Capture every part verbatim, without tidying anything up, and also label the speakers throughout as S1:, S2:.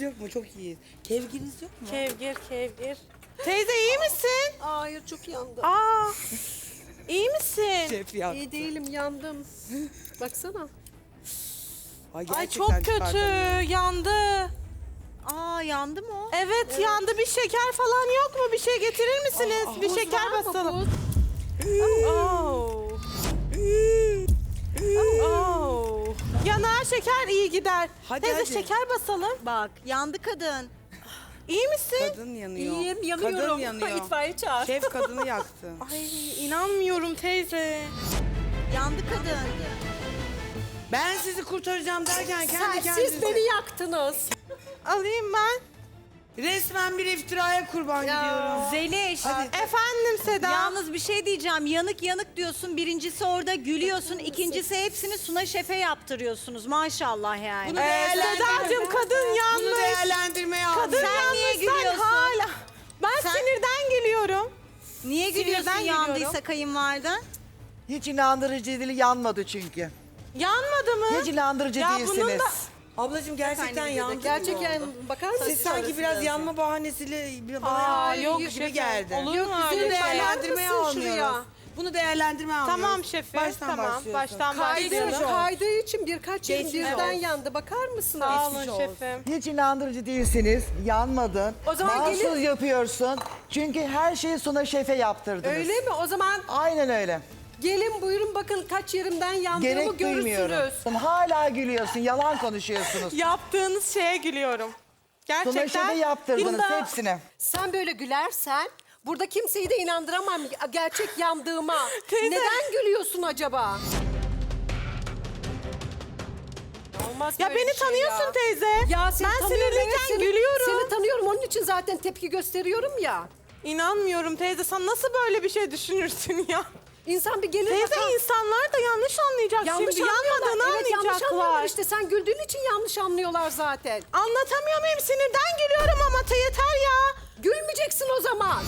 S1: yok mu? Çok iyiyiz. Kevginiz yok mu?
S2: Kevgir, kevgir. Teyze iyi misin?
S3: Hayır çok yandım.
S2: Aa, iyi misin?
S1: Şef yaktı.
S3: İyi değilim yandım. Baksana.
S1: Ay,
S2: Ay çok
S1: gerçekten
S2: kötü,
S1: çıkartamıyorum.
S2: yandı.
S4: Aa yandı mı o?
S2: Evet, yandı. Bir şeker falan yok mu? Bir şey getirir misiniz?
S1: Aa,
S2: bir
S3: Buz
S2: şeker
S3: var mı,
S2: basalım.
S3: buz?
S2: Oh. Oh. Yanağa şeker iyi gider.
S1: Hadi,
S2: Teyze
S1: hadi.
S2: şeker basalım.
S4: Bak yandı kadın.
S2: İyi misin?
S1: Kadın yanıyor.
S3: İyiyim yanıyorum.
S1: Kadın yanıyor.
S3: İtfaiye çağır.
S1: Şef kadını yaktı.
S2: Ay inanmıyorum teyze.
S4: Yandı kadın.
S1: Ben sizi kurtaracağım derken kendi
S3: Sen,
S1: kendinize.
S3: siz beni yaktınız.
S2: Alayım ben.
S1: Resmen bir iftiraya kurban gidiyorum.
S4: Zeliş.
S2: Efendim Seda.
S4: Yalnız bir şey diyeceğim. Yanık yanık diyorsun. Birincisi orada gülüyorsun. İkincisi hepsini Suna Şef'e yaptırıyorsunuz. Maşallah yani.
S1: Bunu
S2: Ee,
S1: değerlendirme-
S2: Sedacığım kadın yanmış.
S1: Bunu değerlendirmeye
S2: Kadın
S1: aldım.
S4: Sen niye
S2: yanmış,
S4: gülüyorsun?
S2: hala. Ben
S4: Sen-
S2: sinirden gülüyorum.
S4: Niye gülüyorsun
S2: Sinirden
S4: yandıysa
S2: gülüyorum.
S4: kayınvaliden?
S5: Hiç inandırıcı değil, yanmadı çünkü.
S2: Yanmadı mı?
S5: Hiç inandırıcı
S2: Ya bunun
S5: değilsiniz.
S2: da-
S1: Ablacığım gerçekten yandı.
S3: Gerçekten bakar mısın?
S1: Siz sanki biraz yanma bahanesiyle bana
S2: Aa,
S1: yaptığınız
S2: yok
S1: gibi
S2: şefim.
S1: geldi.
S2: Olur mu
S1: Bunu
S2: öyle şey?
S1: değerlendirmeye
S3: Bakar mısın
S1: almıyoruz.
S3: şuraya?
S1: Bunu değerlendirmeye almıyoruz.
S2: Tamam şefim.
S1: Baştan
S2: tamam.
S1: başlıyorsun.
S2: Baştan
S3: Kaydı,
S2: başlayalım.
S3: kaydığı için birkaç yerim
S1: Geçmiş
S3: birden
S1: olsun.
S3: yandı. Bakar mısınız?
S2: Sağ olun
S1: Geçmiş olsun.
S2: şefim.
S5: Hiç inandırıcı değilsiniz, yanmadın.
S3: O zaman
S5: Mahsus
S3: gelin-
S5: yapıyorsun. Çünkü her şeyi Suna Şef'e yaptırdınız.
S3: Öyle mi? O zaman
S5: Aynen öyle.
S3: gelin buyurun bakın kaç yerimden yandığımı
S5: Gerek duymuyorum.
S3: görürsünüz.
S5: Hala gülüyorsun, yalan konuşuyorsunuz.
S2: Yaptığınız şeye gülüyorum. Gerçekten.
S5: Suna Şef'e yaptırdınız
S2: Bunda-
S5: hepsini.
S3: Sen böyle gülersen burada kimseyi de inandıramam gerçek yandığıma.
S2: Teyze.
S3: Neden gülüyorsun acaba? Olmaz
S2: Ya
S3: böyle
S2: beni
S3: bir şey
S2: tanıyorsun
S3: ya.
S2: teyze.
S3: Ya seni
S2: ben
S3: tanıyorum,
S2: sinirliyken
S3: evet, seni-
S2: gülüyorum.
S3: Seni tanıyorum onun için zaten tepki gösteriyorum ya.
S2: İnanmıyorum teyze. Sen nasıl böyle bir şey düşünürsün ya?
S3: İnsan bir gelir
S2: Teyze
S3: bakar.
S2: insanlar da yanlış anlayacak
S3: Yanlış
S2: şimdi.
S3: anlıyorlar.
S2: Yanmadığını
S3: Evet yanlış anlıyorlar
S2: anlayacaklar.
S3: işte. Sen güldüğün için yanlış anlıyorlar zaten.
S2: Anlatamıyor muyum? Sinirden gülüyorum ama te yeter ya.
S3: Gülmeyeceksin o zaman.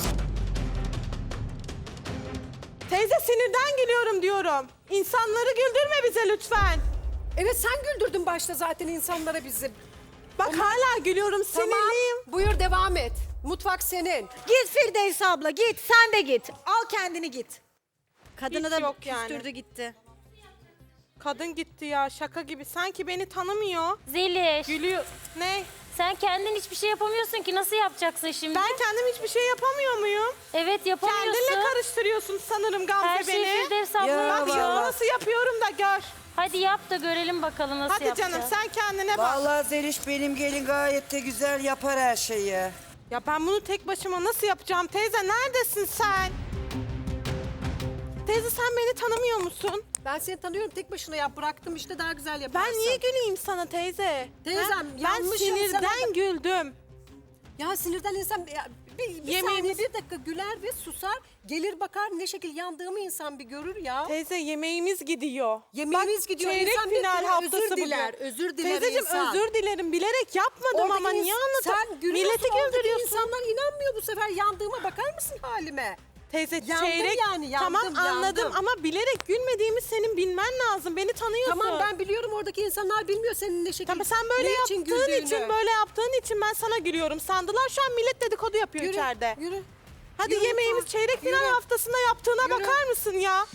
S2: Teyze sinirden gülüyorum diyorum. İnsanları güldürme bize lütfen.
S3: Evet sen güldürdün başta zaten insanlara bizi.
S2: Bak hala gülüyorum,
S3: Tamam.
S2: sinirliyim.
S3: Buyur devam et. Mutfak senin.
S4: Git Firdevs abla git. Sen de git. Al kendini git. Kadını
S2: Hiç
S4: da
S2: yok yani.
S4: küstürdü gitti.
S2: Kadın gitti ya, şaka gibi. Sanki beni tanımıyor.
S6: Zeliş,
S2: Gülüyor. Ne?
S6: sen kendin hiçbir şey yapamıyorsun ki nasıl yapacaksın şimdi?
S2: Ben kendim hiçbir şey yapamıyor muyum?
S6: Evet yapamıyorsun.
S2: Kendinle karıştırıyorsun sanırım Gamze
S6: Her şeyi
S2: beni.
S6: Firdevs abla
S1: Ya
S2: Bak
S6: yapıyor.
S2: şimdi nasıl yapıyorum da gör.
S6: Hadi yap da görelim bakalım nasıl
S2: Hadi
S6: yapacağız.
S2: canım sen kendine bak.
S7: Vallahi Zeliş benim gelin gayet de güzel yapar her şeyi.
S2: Ya ben bunu tek başıma nasıl yapacağım? Teyze neredesin sen? Teyze sen beni tanımıyor musun?
S3: Ben seni tanıyorum tek başına yap bıraktım işte daha güzel yaparsın.
S2: Ben niye güleyim sana teyze?
S3: Teyzem,
S2: Ha? Ben
S3: yanlışım
S2: sinirden
S3: sana-
S2: güldüm.
S3: Ya sinirden insan ya, bir, bir
S2: Yemeğimiz-
S3: saniye bir dakika güler ve susar. Gelir bakar ne şekil yandığımı insan bir görür ya.
S2: Teyze yemeğimiz gidiyor.
S3: Yemeğimiz
S2: Bak,
S3: gidiyor.
S2: Çeyrek
S3: İnsan bir
S2: final
S3: kere
S2: haftası
S3: özür
S2: bugün.
S3: diler, özür diler
S2: Teyzeciğim
S3: insan.
S2: özür dilerim. Bilerek yapmadım
S3: Oradaki
S2: ama niye
S3: ins-
S2: anlatıyorsun?
S3: Sen gülüyorsun
S2: Milleti
S3: oradaki
S2: güldürüyorsun.
S3: insanlar inanmıyor bu sefer yandığıma bakar mısın halime?
S2: Teyze
S3: Yandım
S2: çeyrek
S3: yani, yandım,
S2: tamam anladım
S3: yandım.
S2: ama bilerek gülmediğimi senin bilmen lazım. Beni tanıyorsun.
S3: Tamam ben biliyorum oradaki insanlar bilmiyor senin ne şekil.
S2: Tamam sen böyle
S3: ne
S2: yaptığın
S3: için, güldüğünü.
S2: için, böyle yaptığın için ben sana gülüyorum. Sandılar şu an millet dedikodu yapıyor
S3: Yürü,
S2: içeride.
S3: Yürü.
S2: Hadi
S3: Yürü
S2: yemeğimiz
S3: lütfen.
S2: çeyrek final
S3: Yürü.
S2: haftasında yaptığına
S3: Yürü.
S2: bakar mısın ya?